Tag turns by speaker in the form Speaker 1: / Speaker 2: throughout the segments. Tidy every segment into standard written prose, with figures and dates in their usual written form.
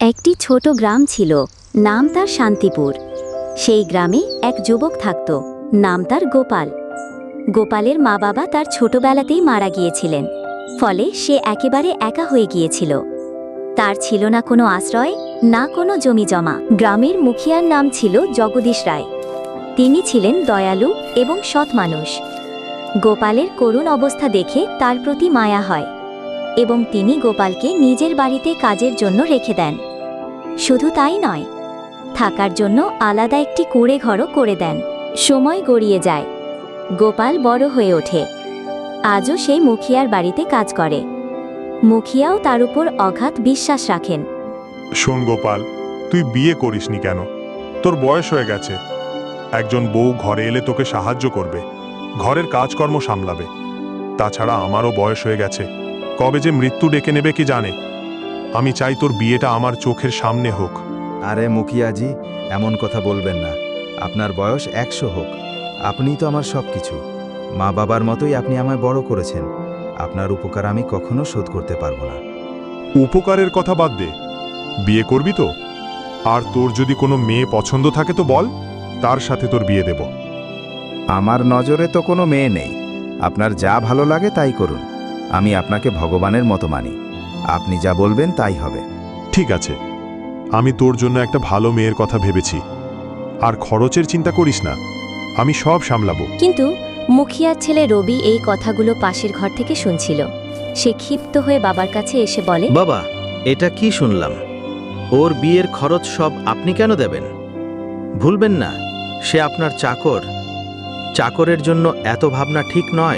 Speaker 1: একটি ছোট গ্রাম ছিল, নাম তার শান্তিপুর। সেই গ্রামে এক যুবক থাকত, নাম তার গোপাল। গোপালের মা বাবা তার ছোটবেলাতেই মারা গিয়েছিলেন, ফলে সে একেবারে একা হয়ে গিয়েছিল। তার ছিল না কোনো আশ্রয়, না কোনো জমি জমা। গ্রামের মুখিয়ার নাম ছিল জগদীশ রায়। তিনি ছিলেন দয়ালু এবং সৎ মানুষ। গোপালের করুণ অবস্থা দেখে তার প্রতি মায়া হয় এবং তিনি গোপালকে নিজের বাড়িতে কাজের জন্য রেখে দেন। শুধু তাই নয়, থাকার জন্য আলাদা একটি কুঁড়ে ঘরও করে দেন। সময় গড়িয়ে যায়, গোপাল বড় হয়ে ওঠে। আজও সেই মুখিয়ার বাড়িতে কাজ করে। মুখিয়াও তার উপর অগাধ বিশ্বাস রাখেন।
Speaker 2: শোন গোপাল, তুই বিয়ে করিসনি কেন? তোর বয়স হয়ে গেছে। একজন বউ ঘরে এলে তোকে সাহায্য করবে, ঘরের কাজকর্ম সামলাবে। তাছাড়া আমারও বয়স হয়ে গেছে, কবে যে মৃত্যু ডেকে নেবে কি জানে। আমি চাই তোর বিয়েটা আমার চোখের সামনে হোক।
Speaker 3: আরে মুখিয়াজি, এমন কথা বলবেন না। আপনার বয়স 100 হোক, আপনিই তো আমার সব কিছু। মা বাবার মতোই আপনি আমায় বড় করেছেন। আপনার উপকার আমি কখনো শোধ করতে পারবো না।
Speaker 2: উপকারের কথা বাদ দে, বিয়ে করবি তো? আর তোর যদি কোনো মেয়ে পছন্দ থাকে তো বল, তার সাথে তোর বিয়ে দেব।
Speaker 3: আমার নজরে তো কোনো মেয়ে নেই। আপনার যা ভালো লাগে তাই করুন। আমি আপনাকে ভগবানের মতো মানি। আপনি যা বলবেন তাই হবে।
Speaker 2: ঠিক আছে, আমি তোর জন্য একটা ভালো মেয়ের কথা ভেবেছি। আর খরচের চিন্তা করিস না, আমি সব সামলাবো।
Speaker 1: কিন্তু মুখিয়ার ছেলে রবি এই কথাগুলো পাশের ঘর থেকে শুনছিল। সে ক্ষিপ্ত হয়ে বাবার কাছে এসে বলে,
Speaker 4: বাবা, এটা কি শুনলাম? ওর বিয়ের খরচ সব আপনি কেন দেবেন? ভুলবেন না, সে আপনার চাকর। চাকরের জন্য এত ভাবনা ঠিক নয়।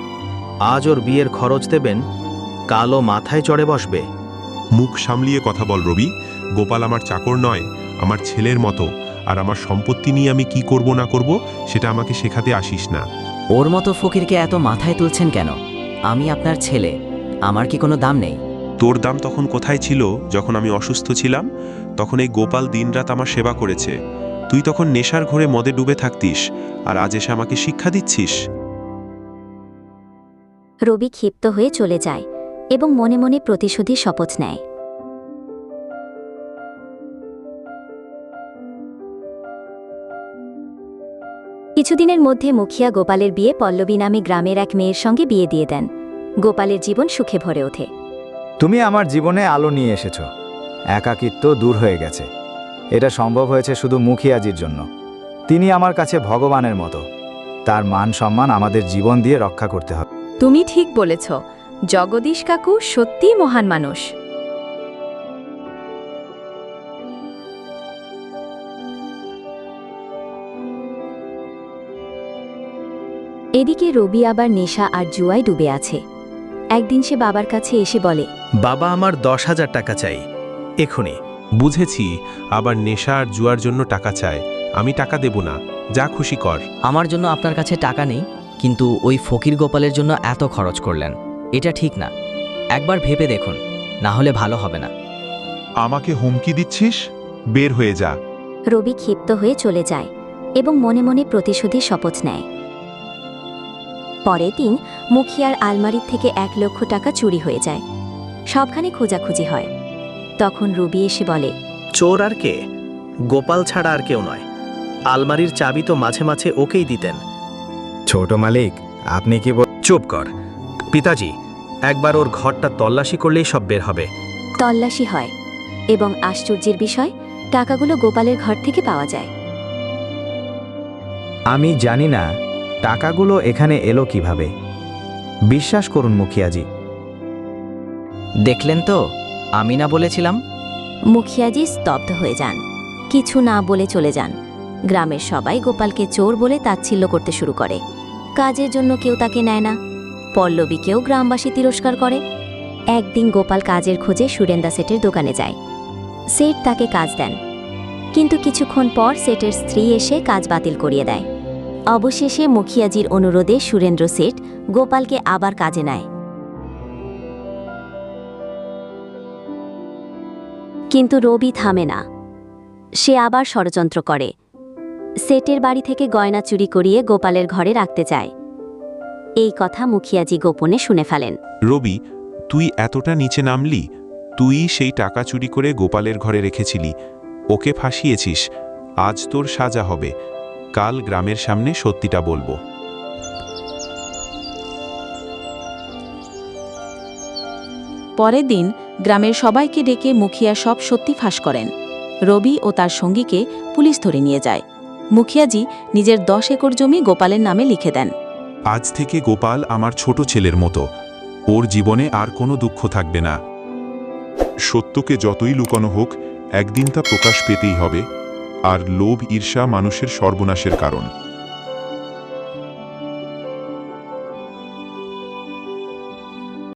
Speaker 4: আজ ওর বিয়ের খরচ দেবেন, কালও মাথায় চড়ে বসবে।
Speaker 2: মুখ সামলিয়ে কথা বল রবি। গোপাল আমার চাকর নয়, আমার ছেলের মতো। আর আমার সম্পত্তি নিয়ে আমি কি করব না করব সেটা আমাকে শেখাতে আসিস না।
Speaker 5: ওর মতো ফকিরকে এত মাথায় তুলছেন কেন? আমি আপনার ছেলে, আমার কি কোনো দাম নেই?
Speaker 6: তোর দাম তখন কোথায় ছিল যখন আমি অসুস্থ ছিলাম? তখন এই গোপাল দিনরাত আমার সেবা করেছে। তুই তখন নেশার ঘোরে মদে ডুবে থাকতিস, আর আজ এসে আমাকে শিক্ষা দিচ্ছিস?
Speaker 1: রবি ক্ষিপ্ত হয়ে চলে যায় এবং মনে মনে প্রতিশোধের শপথ নেয়। কিছুদিনের মধ্যে মুখিয়া গোপালের বিয়ে পল্লবী নামে গ্রামের এক মেয়ের সঙ্গে বিয়ে দিয়ে দেন। গোপালের জীবন সুখে ভরে ওঠে।
Speaker 3: তুমি আমার জীবনে আলো নিয়ে এসেছো। একাকিত্ব দূর হয়ে গেছে। এটা সম্ভব হয়েছে শুধু মুখিয়াজির জন্য। তিনি আমার কাছে ভগবানের মতো। তার মান সম্মান আমাদের জীবন দিয়ে রক্ষা করতে হবে।
Speaker 7: তুমি ঠিক বলেছ, জগদীশ কাকু সত্যিই মহান মানুষ।
Speaker 1: এদিকে রবি আবার নেশা আর জুয়ায় ডুবে আছে। একদিন সে বাবার কাছে এসে বলে,
Speaker 4: বাবা, আমার 10,000 টাকা চাই, এখুনি।
Speaker 6: বুঝেছি, আবার নেশা আর জুয়ার জন্য টাকা চায়। আমি টাকা দেব না, যা খুশি কর।
Speaker 5: আমার জন্য আপনার কাছে টাকা নেই, কিন্তু ওই ফকির গোপালের জন্য এত খরচ করলেন, এটা ঠিক না। একবার ভেবে দেখুন, না হলে ভালো হবে না।
Speaker 2: আমাকে হুমকি দিচ্ছিস? বের হয়ে যা।
Speaker 1: রবি ক্ষিপ্ত হয়ে চলে যায় এবং মনে মনে প্রতিশোধের শপথ নেয়। পরের দিন মুখিয়ার আলমারির থেকে 1 লক্ষ টাকা চুরি হয়ে যায়। সবখানে খোঁজাখুঁজি হয়। তখন রবি এসে বলে,
Speaker 4: চোর আর কে? গোপাল ছাড়া আর কেউ নয়। আলমারির চাবি তো মাঝে মাঝে ওকেই দিতেন।
Speaker 3: ছোট মালিক, আপনি কি
Speaker 4: চুপ কর পিতাজি, একবার ওর ঘরটা তল্লাশি করলেই সব বের হবে।
Speaker 1: তল্লাশি হয় এবং আশ্চর্যের বিষয়, টাকাগুলো গোপালের ঘর থেকে পাওয়া যায়।
Speaker 3: আমি জানি না টাকাগুলো এখানে এলো কিভাবে। বিশ্বাস করুন মুখিয়াজি।
Speaker 5: দেখলেন তো, আমি না বলেছিলাম?
Speaker 1: মুখিয়াজি স্তব্ধ হয়ে যান, কিছু না বলে চলে যান। গ্রামের সবাই গোপালকে চোর বলে তাচ্ছিল্য করতে শুরু করে। কাজের জন্য কেউ তাকে নেয় না। পল্লবীকেও গ্রামবাসী তিরস্কার করে। একদিন গোপাল কাজের খোঁজে সুরেন্দা সেটের দোকানে যায়। সেট তাকে কাজ দেন, কিন্তু কিছুক্ষণ পর সেটের স্ত্রী এসে কাজ বাতিল করিয়ে দেয়। অবশেষে মুখিয়াজির অনুরোধে সুরেন্দ্র সেট গোপালকে আবার কাজে নেয়। কিন্তু রবি থামে না। সে আবার ষড়যন্ত্র করে। সেটের বাড়ি থেকে গয়না চুরি করিয়ে গোপালের ঘরে রাখতে চায়। এই কথা মুখিয়াজি গোপনে শুনে ফেলেন।
Speaker 6: রবি, তুই এতটা নিচে নামলি? তুই সেই টাকা চুরি করে গোপালের ঘরে রেখেছিলি, ওকে ফাঁসিয়েছিস। আজ তোর সাজা হবে। কাল গ্রামের সামনে সত্যিটা বলবো।
Speaker 8: পরের দিন গ্রামের সবাইকে ডেকে মুখিয়া সব সত্যি ফাঁস করেন। রবি ও তার সঙ্গীকে পুলিশ ধরে নিয়ে যায়। মুখিয়াজি নিজের 10 একর জমি গোপালের নামে লিখে দেন।
Speaker 6: আজ থেকে গোপাল আমার ছোট ছেলের মতো, ওর জীবনে আর কোনো দুঃখ থাকবে না।
Speaker 2: সত্যকে যতই লুকানো হোক, একদিন তা প্রকাশ পেতেই হবে। আর লোভ ঈর্ষা মানুষের সর্বনাশের কারণ।